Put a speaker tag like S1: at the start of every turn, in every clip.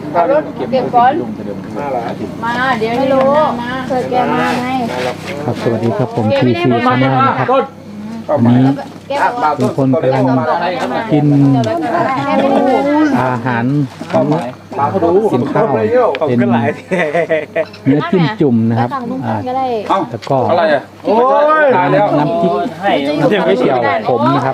S1: เก็บก่อนมาเดี๋ยวไม่รู้เคยแกมาไง
S2: ครับสวัสดีครับผมทีซีชาแนลนะครับวันนี้ทุกคนกำลังกินอาหารของกินข้าวเป็นเนื้อจิ้มจุ่มนะครับแล้วก็น้ำพริกเกี่ยวผมนะครับ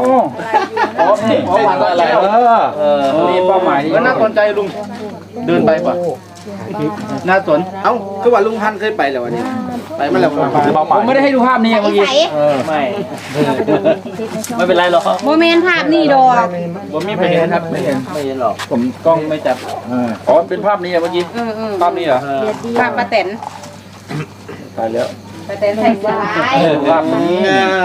S3: มีเป้าหมายก็น่าสนใจลุงเดินไปป่ะน่าสนเอ้าคือว่าลุงพันเคยไปแล้ววันนี้ไปมาแล้วผมไม่ได้ให้ดูภาพนี้เมื่อกี้ไม่เป็นไรหรอก
S1: โมเมนต์ภาพนี่ดอก
S3: ผมไม่เห็นครับไม่เห็นหรอกผมกล้องไม่จับอ๋อเป็นภาพนี้เมื่อกี้ภาพนี้เหรอ
S1: ภาพป้าแตน
S3: ตายแล้ว
S1: ป้าแตนใส่สาย
S3: ภาพนี้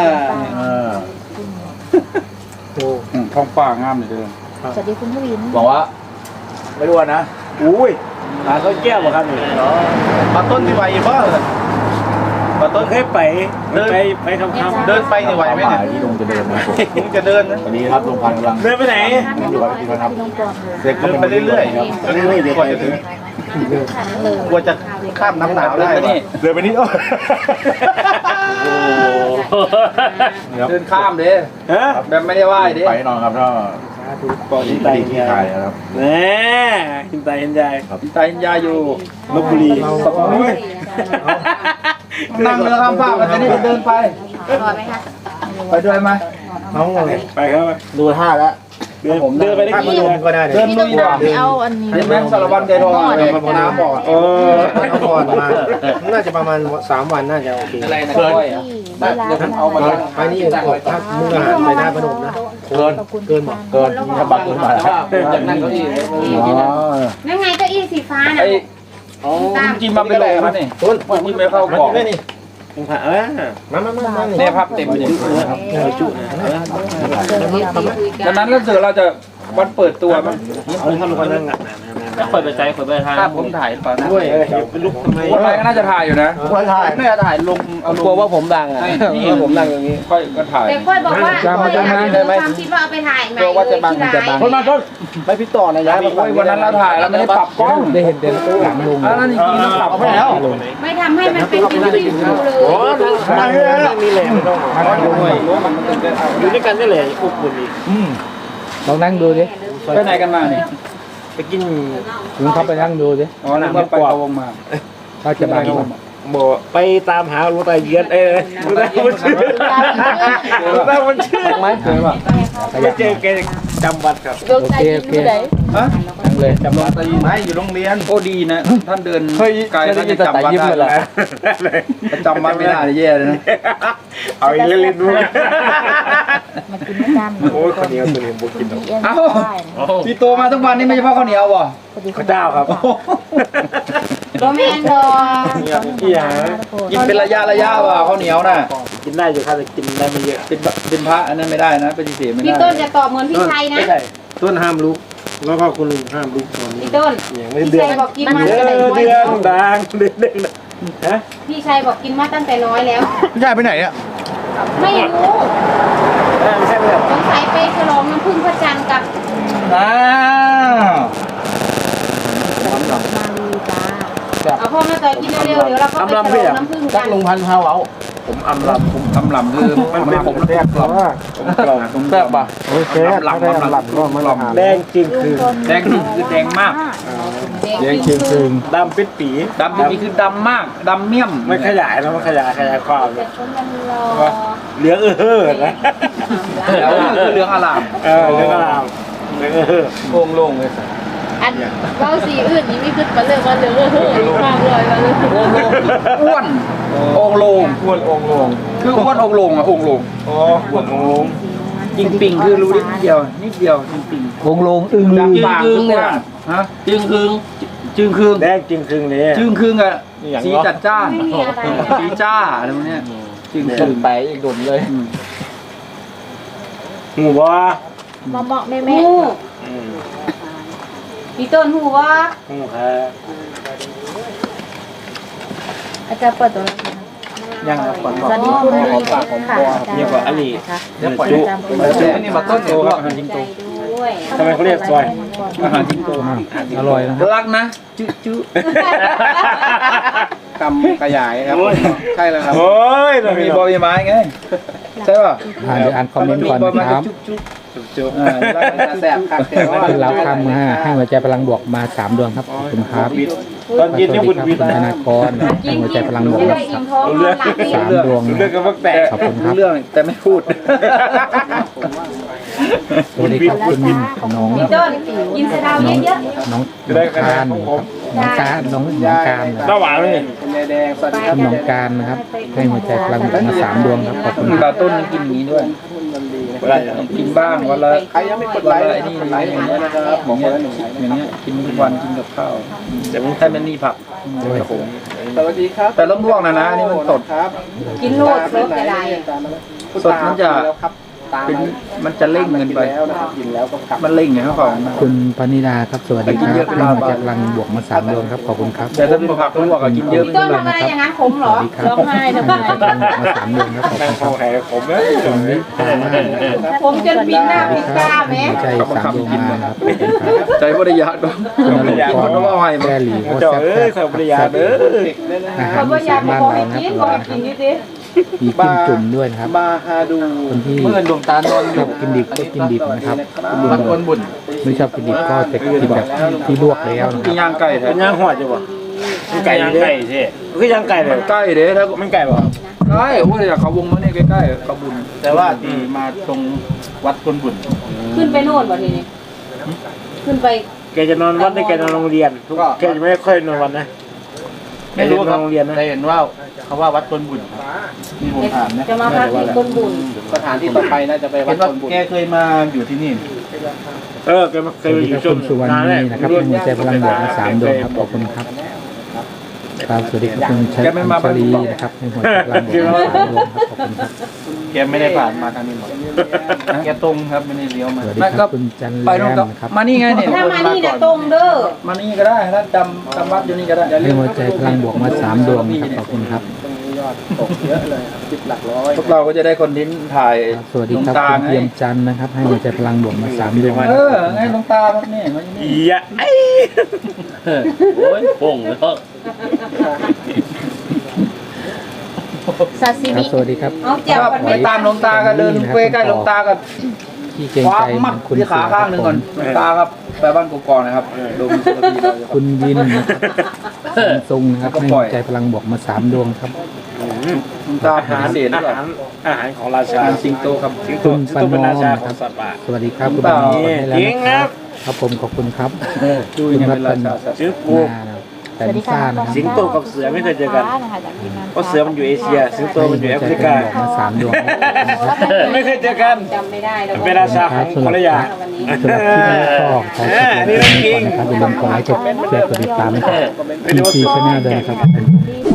S3: ท้องฟ้างามเลยเด้อ
S1: สวัสดีคุณทวิน
S3: บอกว่าไม่รู้นะอุ้ยเขาแก้วบ่ครับนี่มาต้นที่ไหวบ้างมาต้นเคยไปเดินไปคำเดินไปนี่ไหวไหมเนี่ยที่ลุงจะเดินนะลุงจะเดินนะตอนนี้ครับลุงพันกำลังเดินไปไหนอยู่กับพี่ครับเดินไปเรื่อยๆครับเรื่อยๆเดี๋ยวก่อนจะถึงกลัวจะข้ามน้ำหนาวได้เดินไปนี่เดินข้ามเด้แบบไม่ได้ไหว้เด้ไปนอนครับถ้าก่อนที่ไตที่ไทยครับแน่หินไตหินยายหินไตหินยายอยู่ลพบุรีนั่งเรือข้ามฟากมันจะนี่เดินไปไปด้วยไหมน้องไปครับดูท่าแล้วเดินไปได้กี่วันก็ได้เดินลุยว่ะเห็นไหมสารวัตรใจทองน้ำบ่อ
S4: เอาก่อนมาน่าจะประมาณ3 วันน่าจะโอเค
S3: อะไรนะก้อยเอามา
S4: ไปนี่ออกทักมุกอาหารไปหน้าพนมนะเกิน
S3: ถ้าบัตรขึ้นมาจากนั่งเก้าอี้
S1: นั่นไงเก้าอี้สีฟ้าน่ะ
S3: กินมาเป็นโลครับนี่ต้นนี่ไม่เข้ากล่อง
S4: นี่มา
S3: แม่ภาพเต็มเลยดังนั้นแล้วเสือเราจะวันเปิดตัวมั้ยทำคนนั่งถ้าเปิดไปใจเปิดไปทางผมถ่ายป่ะนะด้วยเป็นลุกทำไมคนไรก็น่าจะถ่ายอยู่นะคนถ่ายไม่ถ่ายลงเอากลัวว่าผมดังอ่ะนี่ผมดังอย่างนี้ค่อยก็ถ่าย
S1: แต่ค่อยบอกว่าความคิดว่าเอาไปถ่ายไหม
S3: กลัวว่าจะบังคนมาต้นไปพี่ต่อนะย้ายวันนั้นเราถ่ายแล้วไม่ได้ปรับกล้อง
S2: ได้เห็นเด่นหลังลุง
S3: แล้วจริงๆเราปรับให้แล้ว
S1: ไม่ทำให้มันเป็นที่ดูเลย
S4: โอ้มีแหล่ไม่ต้องอยู่ด้วยกันได้เลยอบอุ่นดี
S2: ลองนั่งดูดิ
S3: ไปไหนกันมาเนี่ย
S4: ไปกิน
S2: ลุงเขาไปนั่งดูดิ
S3: อ๋อนั่งไปวงมา
S2: เขาจะมา
S4: บ่ไปตามหาลูกตาเยือนลูกตามันชื่อลูกตามันชื่อ
S3: ไหมเคยป่ะ
S4: ไม่เจอแกจำวัดครับ
S2: โอเค
S3: ฮะนั่งเลยจำวัดไม่อยู่โรงเรียนโอ้ดีนะท่านเดินไกลท่านจะจำวัดได้จำวัดไม่ได้แย่เลยนะ
S4: เอาอีกเล่นๆดู
S1: มากินไม่จำ
S4: โอ้ยข้าวเหนียวตัวนี้บุกิน
S3: เอ้าพี่โตมาทุกวันนี่ไม่ใช่เพราะข้าวเหนียวบ่
S4: ข้าวเจ้าครับ
S1: โรแมนดอ
S3: กินเป็นระยะว่ะข้าวเหนียวน่ะ
S4: กินได้อยู่ครับแต่กินได้ไม่เยอะ
S3: เป็นพระอันนั้นไม่ได้นะปฏิเสธไม่ได้
S1: พี่ต้นจะตอบเหมือนพี่ชัยนะ
S4: ต้นห้ามลุกแล้วก็คุณลุงห้ามลุกตอนนี้
S1: พี่ต้นพี่ชัยบอกกินมาตั้งแต่น้อย
S4: เดือนดังเดือนฮะ
S1: พี่ชัยบอกกินมาตั้งแต่น้อยแล้ว
S3: พี่ชัยไปไหนอ่ะ
S1: ไม่รู้
S4: ไม่ใช่แบบ
S1: สงสัยไปฉลองน้ำผึ้งพระจันทร์กับเอาพ่อมาต่อยกินเร็วๆเดี๋ยวเราก็ไปฉลองน้ำผึ้งกัน
S4: ลุงพันพาเอาผมอำลำ
S3: คือมันเป็นผมแซ่บหรอผมแซ่บป่ะ
S4: โอเคลำก็มันแดงจริงคือ
S3: แดงมาก
S4: แดงจริงคือดำปิดปี
S3: คือดำมากดำเมี่ยม
S4: ไม่ขยายแล้วมันขยายความเหลืองนะ
S3: เหลืองอลาม
S4: เหลืองอลามเหลือง
S3: โล่งเลย
S1: อันเราสีอื่นนี้ไม่ขึ้นมาเลยว่าเหลืองมากเลยมาเลย
S3: อ้วนองโลงคืออ้วนองโลงอ่ะองโลง
S4: อ๋ออ้วนองโลง
S3: จริงปิงคือรู้นิดเดียวจริงปิง
S2: วงลงอึ้งลืม
S3: เนี่ยฮะจึงคืง
S4: แดงจึงคืงเลย
S3: จึงคืงอ่ะสีจัดจ้านสีจ้าอะไรพวกนี้จึงคืง
S2: ไปอีกดุนเลย
S4: หูว่า
S1: เหมาะแม่พี่ต้นหูว่า
S4: หูค่ะ
S1: อาจารย์เปิดตัว
S3: ยังครับก่อน
S1: สวัสดีคุณลีค่ะ
S4: เรียกว่าอันนี้
S3: เดี๋ยวปล่อยจุนี่มาต้นโตครับจริงโต
S1: ด้วย
S4: ทำไมเขาเรียกซอย
S3: อาหารสิงโต
S2: อร่อยนะครับ
S3: รักนะจุ๊คำขยายครับใช่แล้วครับ
S4: โอ้ย
S3: มีบอใบไม้ไงใช่ป่ะ
S2: เดี๋ยวอ่านคอมเมนต์ก่อนนะครับ
S3: จุ๊บแสบคักแต่ว่า
S2: คุณเราคำให้หัวใจพลังบวกมา3 ดวงครับขอบคุณครับ
S4: ตอนเย็นนี่คุณวิทย์
S2: คุณธนากรให้หัวใจพลังบวก
S1: จะ
S2: มา
S1: ได้อิ่มท้องนอนหลับดี
S2: 3 ดวง
S4: เรื่องกับพวกแตก
S2: ขอบคุณครับ
S3: เรื่องแต่ไม่พูด
S2: สวัสดีครับคุณน้อง
S1: พี่ต้นกินสะเดาเยอะ
S2: น้องการน้องการน้องการ
S4: น้าหวานเลย
S3: แดงสวัสดีครับ
S2: น้องการนะครับให้หัวใจพลังบวกมา3 ดวงครับขอบคุณค
S3: ตา
S2: รับ
S3: ต้นกินอย่างนี้ด้วยเวลากินบ้างวันละใครยังไม่กดไลค์ไอ้นี่อย่างเงี้ยนะครับบอกคนละ1อย่างเงี้ยกินทุกวันกินกับข้าวแต่ไม่ใช่มันนี่ผัก
S2: ด้วย
S3: สวัสดีครับแต่ต้องลวกนะนี่มันสดครับ
S1: ๆกินโลดรสกระได
S3: สดมันจะเป็นมันจะเร่งเงินไปมันเร่งไงครับของ
S2: คุณปณิดาครับสวัสดีครับให้หัวใจพลังบวกมา3 ดวงครับขอบคุณครับ
S3: แต่ถ้าเป็นผักลวกกินเยอะ
S1: พี่ต้นทำอะไรอย่างนั้นขมเหร
S2: ส
S1: อ
S2: วัสดีครับให้หัวใจพลังบวกมา3 ดวงครับขอบคุณค
S4: เข้า
S2: รับ
S4: แห่ผมนะ
S2: คุณวิภามาศนะครับ
S1: ผมจนปิดหน้าปิดตาแม่
S2: หัวใจ3 ดวงมาครับขอบคุณครับ
S3: ใจบริยาด
S2: คุณนรงค์กรแก้หลีโคตร
S4: เจ้า
S2: แซ่บ
S4: เอ้ยขอบริยาเด้อ
S2: อาหา
S1: เขา
S2: ร
S1: ก็
S2: อี
S1: อยา
S2: สาก น
S1: บ
S2: บ้าน
S1: อกให้
S2: เรานะ
S1: กิน
S2: ครับ
S1: บอกกินนิดดิ
S2: มีจิ้มจุ่มด้วยนะครับ
S3: บาฮาดู
S2: คนที่
S3: เมื่อดวงตาโดน
S2: ชอบกินดิบก็กินดิบนะครับ
S3: มันคนบุญ
S2: ไม่ชอบกินดิบก็จะกินแบบที่ลวกแล้วนะค
S3: กิน
S2: รับ
S3: ย่างไก่แท้
S4: เป็นย่างหัวจ้ะบ่ไก่ย่างไก่สิคือย่างไก่เลย
S3: ใกล้เด้ถ้า
S4: มันไก่บ่
S3: ใกล้โอ้ยเขาวงมาเนี่ยใกล้ๆเขาบุญแต่ว่าดีมาตรงวัดคนบุญ
S1: ขึ้นไปโน่นบ่ทีนี้ขึ้นไป
S4: แกจะนอนวัดได้แกนอนโรงเรียนแกจะไม่ค่อยนอนวัดนะไม่รู้นอนโรงเรียนนะ
S3: ได้เห็นว่าเขาว่าวัดคนบุญมีผมถามนะ
S1: จะมาพักที่ต้นบุญ
S3: สถานที่ต่อไปน่าจะไปวัดคนบุญแกเคยมาอยู่ที่นี่
S4: แกมาเค
S2: ส
S4: ย
S2: วัส
S4: ไป
S2: ดี
S4: อ
S2: ครั
S4: ยู่
S2: บ
S4: ช่ว
S2: คุ
S4: ง
S2: ณสุวรร
S4: นาน
S2: ณี
S4: แรก
S2: นะครับให้หัวใจพลังบวกมา3 ดวงครับขอบคุณครับครับสวัสดีครับคุณชัยชลีนะครับให้หัวใจพลังบวกมา3 ดวงครับขอบคุณครับ
S3: แกไม่ได้ผ่านมาทางนี้หมดแกตรงครับไม่ได้เลี้ยวมา
S2: สวัสดีครับคุณจันแร
S3: ไปตรง
S2: มนะครับ
S3: มานี่ไงเนี่ย
S1: ถ้ามานี่นะตรงเด้อ
S3: มานี่ก็ได้ถ้าจำวัดอยู่นี่ก็ได้
S2: ให้หัวใจพลังบวกมา3 ดวงนะครับขอบคุณครับ
S3: ตกเยอะเลย10 หลักร้อยพวกเราก็จะได้คอนเทนต์ถ่าย
S2: สวัสดีครับคุณเทียมจันทร์นะครับให้หัวใจพลังบวกมา3 ดวง
S3: ไงหลวงตาครับนี่มานี่
S4: อีอะไอ้โอ้ยป่งแล้ว
S1: ซาซิ
S2: ครับ
S1: มิ
S2: สวัสดีครับ
S1: เอาแจ่วกัน
S3: ไป
S1: ไหม
S3: ตามหลวงตาก็เดินใกล้ๆหลวงตาก็
S2: ที่เกรง
S3: คว้า
S2: ใจ
S3: มัด
S2: คุณ
S3: ที่ขาข้างหนึ่งก่อนหลวงตาครับไปบ้านกกอกนะครับดูมีสุขภาพเรา
S2: คุณวินนะครับคุณทรงนะครับให้หัวใจพลังบวกมา3 ดวงครับ
S3: หลวงตาหาเสียน
S4: อา
S3: ก่อน
S4: หารอาหารของราชา
S3: สิงโตครับ
S4: สิงโต
S2: คุณ
S4: สิง
S2: ปาน
S4: โตเป็น
S2: อ
S4: ราม ชา
S2: นะ
S4: ข
S2: ค
S4: อ
S2: รั
S4: ง
S2: บ
S4: สัตว์ป่า
S2: สวัสดีครับคุณปานอมให้แล้ว
S4: จริง
S2: นะ
S4: ค
S2: ค
S4: รั
S2: รับ บครับผมขอบคุณครับ
S3: ดูยังไงเป็นราชา
S4: สิงโต
S2: แต่ลิซ่านะครับ
S4: สิงโตกับเสือไม่เคยเจอกันเพราะเสือมันอยู่เอเชีย สิงโตมันอยู่แอฟริกา
S2: ให้หัวใจพลังบวกมา3 ดวง
S4: ไม่เคยเจอกัน
S1: จำไม่ได้แล้ว
S4: เป็นราชาของคนละอย่าง
S2: สำหรับที่นี้ก็ขอขอบคุณนะครับอย่าลืมกดไลค์กดแชร์กดติดตามนะครับทีซีชาแนลด้วยนะครับ